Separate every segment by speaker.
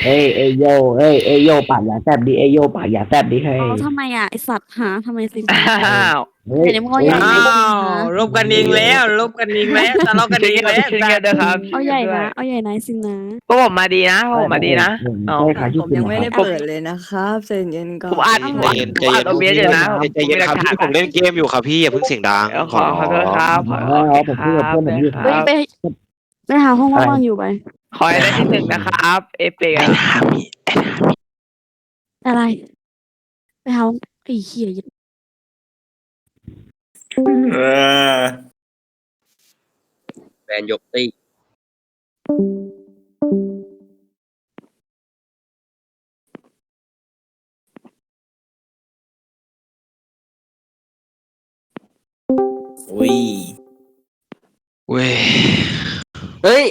Speaker 1: โยโยปากอย่าแซบดิโยปากอย่าแซบดิเฮ้ย
Speaker 2: เอาทำไมอ่ะไอสัตว์หาทำไมสิง
Speaker 3: อ้าว
Speaker 1: เฮ้ย
Speaker 2: ไหนมึงเอาใหญ่ไหน
Speaker 4: อ้า
Speaker 2: สิง
Speaker 4: ว
Speaker 2: นะ
Speaker 4: ลบกันเองแล้วลบกันเองแล้วทะเลาะกันเองแล้ว
Speaker 3: ช่วยกันด้วยครับ
Speaker 2: เอาใหญ่นะเอาใหญ่ไหนสิงนะ
Speaker 3: พวกผมมาดีนะพวกผมมาดีนะเอา
Speaker 1: ใช่ค่ะ
Speaker 5: ผมยังไม่ได้เปิดเลยนะครับใจเย็นก่อน
Speaker 3: ผมอัด
Speaker 6: ใจเย็นใจ
Speaker 3: ผมอั
Speaker 6: เย็
Speaker 3: ด
Speaker 6: น
Speaker 3: เอาเบียร์อยู่นะ
Speaker 6: ใจเย็นครับพี่ผมเล่นเกมอยู่ครับพี่อย่าเพิ่งเสียงดัง
Speaker 3: ขอโทษครับขอโทษ
Speaker 1: ผมพูดกับเพื่อนผมอยู่ค
Speaker 2: เฮ้ย
Speaker 1: รับ
Speaker 2: ไปหาห้องว่างๆอยู่ไป
Speaker 3: ขอให้ได้ที่หนึ่งนะครับ เอเปก
Speaker 2: อะไรไปหาไอ้เหี้ย
Speaker 4: เออ
Speaker 6: แบนยกตี
Speaker 4: อุ้ย
Speaker 6: เว้ย
Speaker 7: เฮ้ย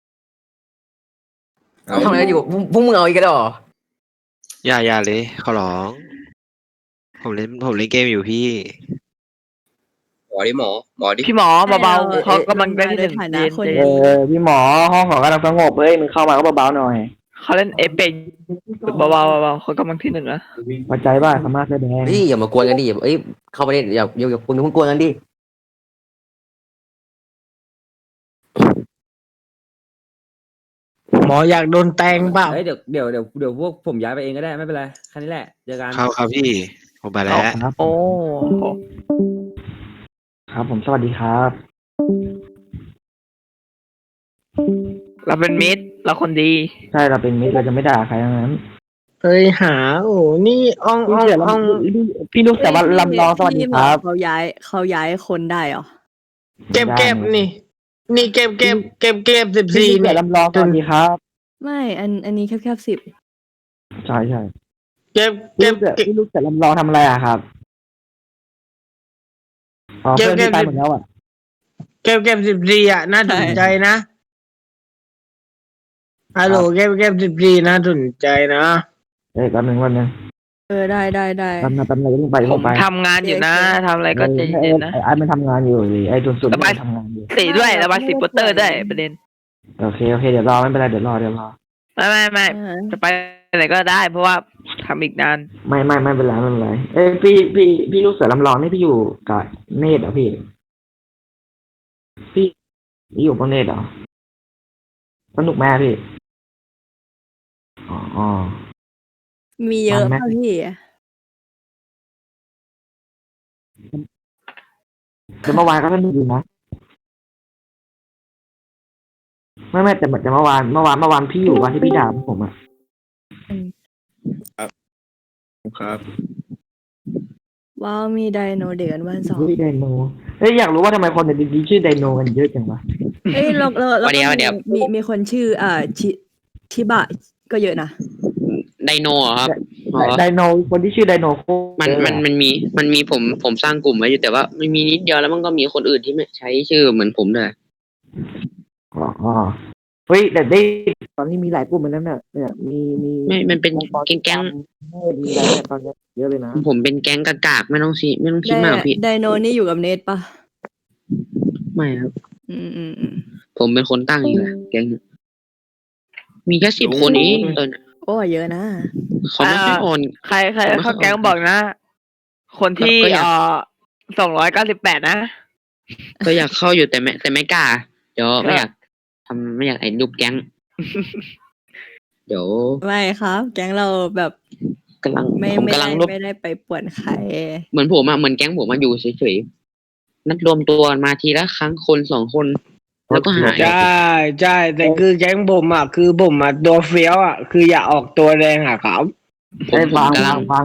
Speaker 7: ทำอะไรอยู่พวกมึงเอาอีกแล้วเหรอ
Speaker 6: อย่าเลยขอร้อง ผมเล่นเกมอยู่พี่หมอดิหมอดิ
Speaker 3: พี่หมอเบาๆเขากำลังได้ที่หนึ่ง
Speaker 5: ในฐา
Speaker 3: เย็
Speaker 5: นะ
Speaker 3: น
Speaker 5: คน
Speaker 3: ๆ
Speaker 1: พี่หมอห้องขอกำลังสงบมึงเข้ามาก็เบาๆหน่อย
Speaker 3: เขาเล่นเอเปกเบาๆเขากำลังที่หนึ่งนะ
Speaker 1: พอใจบ้าสามารถแสดง
Speaker 7: เฮ้ยอย่ามากวนกันดิเอ้ยเข้าไปเนี่ยอย่าคุณมึงกวนกันดิ
Speaker 4: หมออยากโดนแตงเปล่า
Speaker 8: เฮ้ยเดี๋ยวพวกผมย้ายไปเองก็ได้ไม่เป็นไรแค่นี้แหละเจอกัน
Speaker 6: ครับพี่ผมไปแล้ว
Speaker 1: ครับ
Speaker 3: โอ้
Speaker 1: ครับผมสวัสดีครับ
Speaker 3: เราเป็นมิตรเราคนดี
Speaker 1: ใช่เราเป็นมิตรเราจะไม่ด่าใครทั้งนั้น
Speaker 4: เฮ้ยหาโอ้นี่อ่องอ่องอ่อง
Speaker 1: พี่ลูกแต่ว่าลำลองสวัสดีครับ
Speaker 5: เขาย้ายคนได้เหรอ
Speaker 4: เก็บนี่ นี่เก็บ14
Speaker 1: พี่
Speaker 4: เนี่
Speaker 1: เสือย ลำลองสวัสดีครับ
Speaker 5: ไม่อันนี้แคบ10
Speaker 1: ใช่
Speaker 4: เก็บ
Speaker 1: พี่ลูกแต่ลำลองทำอะไรอะครับอ๋อเพื่อนที่ตายหมดแล้วอ่ะ
Speaker 4: เก็บ14อ่ะน่าสนใจนะฮัลโหลเก็บ14น่าสนใจนะ
Speaker 1: แป๊บนึง
Speaker 5: ได้
Speaker 1: แป๊บนึงต้องไป
Speaker 3: ผมทำงานอยู่นะทำอะไรก็ใจเย็นๆนะ
Speaker 1: ไอ้มันทำงานอยู่ไอ้สุด
Speaker 3: ระบาย
Speaker 1: ทำงานอยู่
Speaker 3: สีด้วยระบายสีโปสเตอร์ด้วยประเด็น
Speaker 1: โอเคเดี๋ยวรอไม่เป็นไรเดี๋ยวรอ
Speaker 3: ไม่จะไปไหนก็ได้ เพราะว่าทำอีกนาน
Speaker 1: ไม่เป็นไรพี่ลูกเสือลำลองนี่พี่อยู่กับเนตรเหรอพี่อยู่กับเนตรเหรอสนุกแม่พี่อ๋อ
Speaker 5: มีเยอะ
Speaker 1: มันไหม
Speaker 5: ป่ะพี่
Speaker 1: แต่เมื่อวานก็สนุกดีนะไม่แต่เหมือนจะเมื่อวานพี่อยู่วันที่พี่ด่าผมอ่ะ
Speaker 4: ครับ
Speaker 5: ว้าวมีไดโนเด็กกันวัน2
Speaker 1: ไดโนอยากรู้ว่าทำไมคนในดีชื่อไดโนกันเยอะจังวะ
Speaker 5: เอ้ยแล้วก็มีคนชื่อชิบะก็เยอะนะ
Speaker 9: ไดโนเหรอครับอ๋อ
Speaker 1: ไดโนคนที่ชื่อไดโนโค
Speaker 9: มันมีผมสร้างกลุ่มไว้อยู่แต่ว่ามันมีนิดเดียวแล้วมันก็มีคนอื่นที่ไม่ใช้ชื่อเหมือนผมเลย
Speaker 1: อ๋อเฮ้ยแต่ได้ตอนนี้มีหลายกลุ่มเหมือนกันเนี่ยมี
Speaker 9: ไม่มันเป็นแก๊ง
Speaker 1: มีอะไรเนี่ยตอนนี้เยอะเลยนะ
Speaker 9: ผมเป็นแก๊งกากๆไม่ต้องคิดมากพี่
Speaker 5: ไดโนนี่อยู่กับเนทปะ
Speaker 9: ไม่ครับ
Speaker 5: อืม
Speaker 9: ผมเป็นคนตั้งเองแหละแก๊งนี้มีแค่10 คนเองตอนนี้
Speaker 5: โอ้เยอะนะ
Speaker 9: เขาไม่ค่อยอ่อน
Speaker 3: ใครเข้าแก๊งบอกนะ คนที่
Speaker 9: ก็อยาก
Speaker 3: 298นะ
Speaker 9: ก็อยากเข้าอยู่แต่ไม่กล้าเดี๋ยวไม่อยากไอ้รูปแก๊ง เดี๋ยว
Speaker 5: ไม่ครับ แก๊งเราแบบ
Speaker 9: กำลัง
Speaker 5: ไม่
Speaker 9: ผมกำลังรวบ
Speaker 5: ได้ไปป่วนใคร
Speaker 9: เหมือนผมอะเหมือนแก๊งผมมาอยู่เฉยๆนัดรวมตัวมาทีละครั้งคน2 คน แล้วก็หาย
Speaker 4: ใช่แต่คือแก๊งผมอ่ะคือผมอ่ะตัวเฟี้ยวอ่ะคืออย่าออกตัวแรงอ่ะครับ
Speaker 9: ผม
Speaker 1: ฟัง
Speaker 9: กำลัง
Speaker 1: ฟัง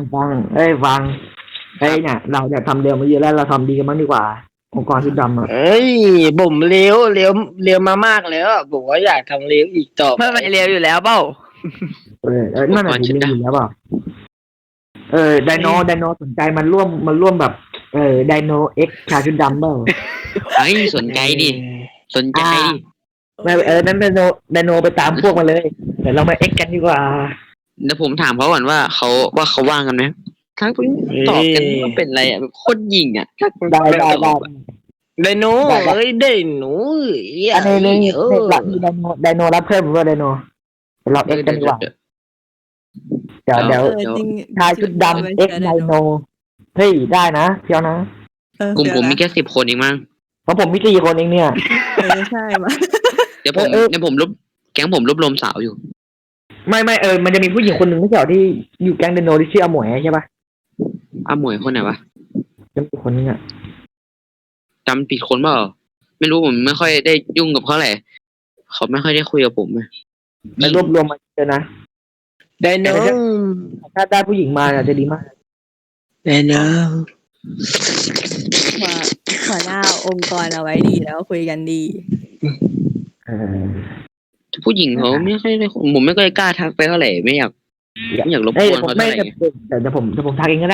Speaker 1: เนี่ยเราเนี่ยทำเร็วมาเยอะแล้วเราทำดีกันบ้างดีกว่าองค์กรชุดดำอ่ะ
Speaker 4: เอ้ยผมเลี้ยวมามากแล้วอะผมว่าอยากทำเลี้ยวอีกต่อ
Speaker 3: ไม่เร็วอยู่แล้วเปล่า
Speaker 1: นั่นแหละที่เรียนอยู่แล้วเปล่าไดโนสนใจมันร่วมแบบไดโนเอ็กชาชุดดำเปล่า
Speaker 9: เฮ้ยสนใจดิ
Speaker 1: ไม่นั้นไดโนไปตามพวกมาเลยเดี๋ยวเรามาเอ็กกันดีกว่า
Speaker 9: เดี๋ยวผมถามเขาก่อนว่าเขาว่างกันไหมทั้งคนตอบกันว่าเป็นอะไรอ่ะแบบโคตรยิงอ่ะถ้าคุณ
Speaker 1: ได้
Speaker 4: ไดโน
Speaker 1: ได้
Speaker 4: เอ้ยไดโน
Speaker 1: อันนี้หลักมีไดโนรับเพิ่มหรือว่าไดโนเราเอ็กกันดีกว่าเดี๋ยว
Speaker 5: จริง
Speaker 1: ชายชุดดำเอ็กไดโนเฮ้ยได้นะเพียวนะ
Speaker 9: กลุ่มผมมีแค่10 คนเองมั้ง
Speaker 1: เพราะผมมี4 คนเองเนี่ย
Speaker 5: ใช่มา
Speaker 9: เดี๋ยวผม
Speaker 1: เออ
Speaker 9: เดี๋ยวผมแก๊งผมรวบรวมสาวอยู่
Speaker 1: ไม่มันจะมีผู้หญิงคนหนึ่งไม่ใช่เหรอที่อยู่แก๊งไดโนที่ชื่ออาหมวยใช่ปะ
Speaker 9: อ้าหมวยคนไหนวะ
Speaker 1: จะมีคนนึงอ่ะ
Speaker 9: จำผิดคนเปล่าไม่รู้ผมไม่ค่อยได้ยุ่งกับเขาเลยเขาไม่ค่อยได้คุยกับผมเลย
Speaker 1: ไปรวบรวมมาเจอนะ
Speaker 4: ไดโน
Speaker 1: ถ้าได้ผู้หญิงมาจะดีมาก
Speaker 4: ไดโน
Speaker 5: หัวหน้าองค์กรเอาไว้ดีแล้วคุยกันดี
Speaker 1: เออ
Speaker 9: ผู้หญิงเขาไม่ค่อยได้ผมไม่ค่อยกล้าทักไปเท่าไหร่ไม่อยากรบ
Speaker 1: เอ้ย
Speaker 9: กวน
Speaker 1: ผม
Speaker 9: เขา
Speaker 1: ไม่
Speaker 9: เท่าไหร่
Speaker 1: แต่ผมทักเองก็ได้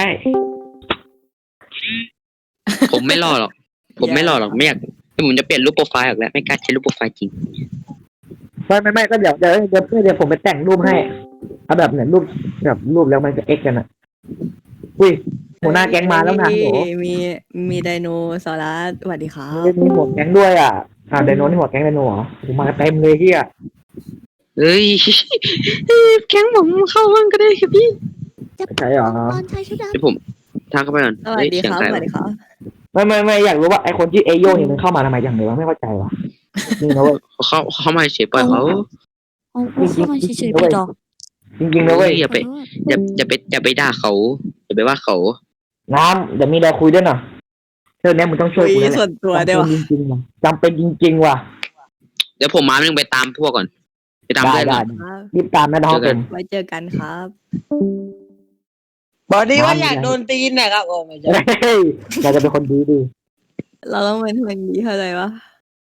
Speaker 9: ผมไม่รอหรอก ผมไม่รอหรอกไม่อยากผมจะเปลี่ยนรูปโปรไฟล์ออกแล้วไม่กล้าใช้รูปโปรไฟล์จริง
Speaker 1: ไม่ก็เดี๋ยวผมไปแต่งรูปให้เอาแบบเนี่ยรูปแล้วมันจะเอ็กกันอ่ะอุ้ยหัวหน้าแก๊งมาแล้วนะโห
Speaker 5: มีไดโนเสาร์สวัสดีครับ
Speaker 1: มีหัวแก๊งด้วยอ่ะไดโนนี่หัวแก๊งไดโนเหรอผมมาเต็มเลยเฮีย
Speaker 9: เอ้ย แก๊งผมเข้าห้องก็ได้ครับพี่
Speaker 1: ใช่เหรอ
Speaker 2: ตอนชายชุดด
Speaker 9: เดี๋ยวผมทักเข้าไปก่อน
Speaker 5: สวัสดีครับ
Speaker 9: เฮ้ย
Speaker 5: ส
Speaker 9: เสียงใคร
Speaker 5: วัสดีครับ
Speaker 1: ไม่อยากรู้ว่าไอคนที่เอโยเนี่ยมันเข้ามาทำไมจังเลยวะไม่เข้าใจวะนี่นะเว้ย
Speaker 9: เขามาเฉยปล่อยเขา
Speaker 2: ำเอาเข้ามาเฉยๆไปดอก
Speaker 1: จริงๆนะเว้ย
Speaker 9: อย่าไปด่าเขาอย่าไปว่าเขา
Speaker 1: น้ำเดี๋ยวมีอะไรคุยด้วยหน่อยเรื่องนี้มึงต้องช่วยกู
Speaker 5: คุย
Speaker 1: แล้วแห
Speaker 5: ส่ว
Speaker 1: ละ
Speaker 5: นตัวได้วะ
Speaker 1: จำเป็นจริงๆว่ะ
Speaker 9: เดี๋ยวผมมาหนึ่งไปตามพวกก่อน ไปตาม
Speaker 1: ได้
Speaker 9: เพื่อนก่
Speaker 1: ได้
Speaker 9: อน
Speaker 5: ครับ
Speaker 1: รีบตามนะน้องเป็น
Speaker 5: ไว้เจอกันครับ
Speaker 4: บอกดีว่าอยากโดนตีนนะครับโอ้ไม่ใช่
Speaker 1: เฮ้ยเราจะเป็นคนดีดี
Speaker 5: เราต้องเป็นคนดีเข้าใจปะ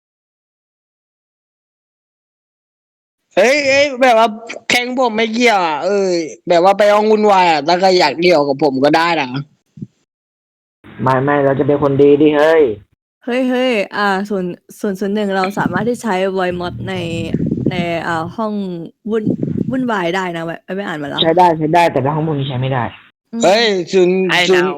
Speaker 4: เฮ้ยแบบว่าแข่งผมไม่เกี่ยวอ่ะแบบว่าไปเอางุ่นวายอ่ะถ้าใครอยากเดี่ยวกับผมก็ได้นะ
Speaker 1: ไม่เราจะเป็นคนดีดิเฮ้ย
Speaker 5: เฮ้ย001เราสามารถที่ใช้ voice mod ในห้องวุ่นวายได้นะไว้ไปอ่านมาแล้ว
Speaker 1: ใช้ได้แต่ในห้องพวกนี้ใช้ไม่ได้
Speaker 4: เฮ้ยศูนย์
Speaker 3: ไอ้
Speaker 4: ศูน
Speaker 3: ดา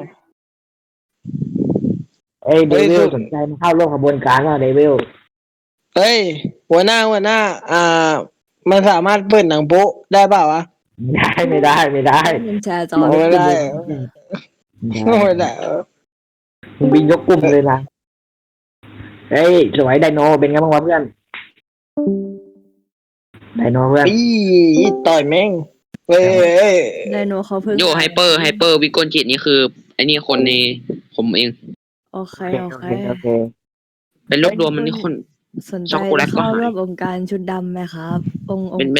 Speaker 4: ย์
Speaker 3: ว
Speaker 1: เดวิลสนใจมาเข้าร่วมขบวนการว่าเดวิล
Speaker 4: เฮ้ยหัวหน้ามันสามารถเปิดหนังโป๊ะได้เปล่าวะ
Speaker 1: ไม่ได้
Speaker 5: เป็นแชร์จอ
Speaker 4: ไม่ได้ไม่ได้
Speaker 1: มึงบินยกกลุ่มเลยนะเฮ้ยสวยไดโนเป็นไงบ้างวะเพื่อนไดโนเพื่อน
Speaker 4: อีต่อยแม่งเฮ้ย
Speaker 5: ไดโนเขาเพิ่ง
Speaker 9: โยไฮเปอร์วิกลจิตนี่คือไอ้นี่คนในผมเอง
Speaker 5: โอเค
Speaker 1: โอเค
Speaker 9: เป็นรวบรวมมันนี่คน
Speaker 5: สนใจ
Speaker 9: ช็อกโกแลตก็
Speaker 5: เข้า
Speaker 9: หาย
Speaker 5: ร่วมองค์การชุดดำไหมครับองค์
Speaker 9: เป็น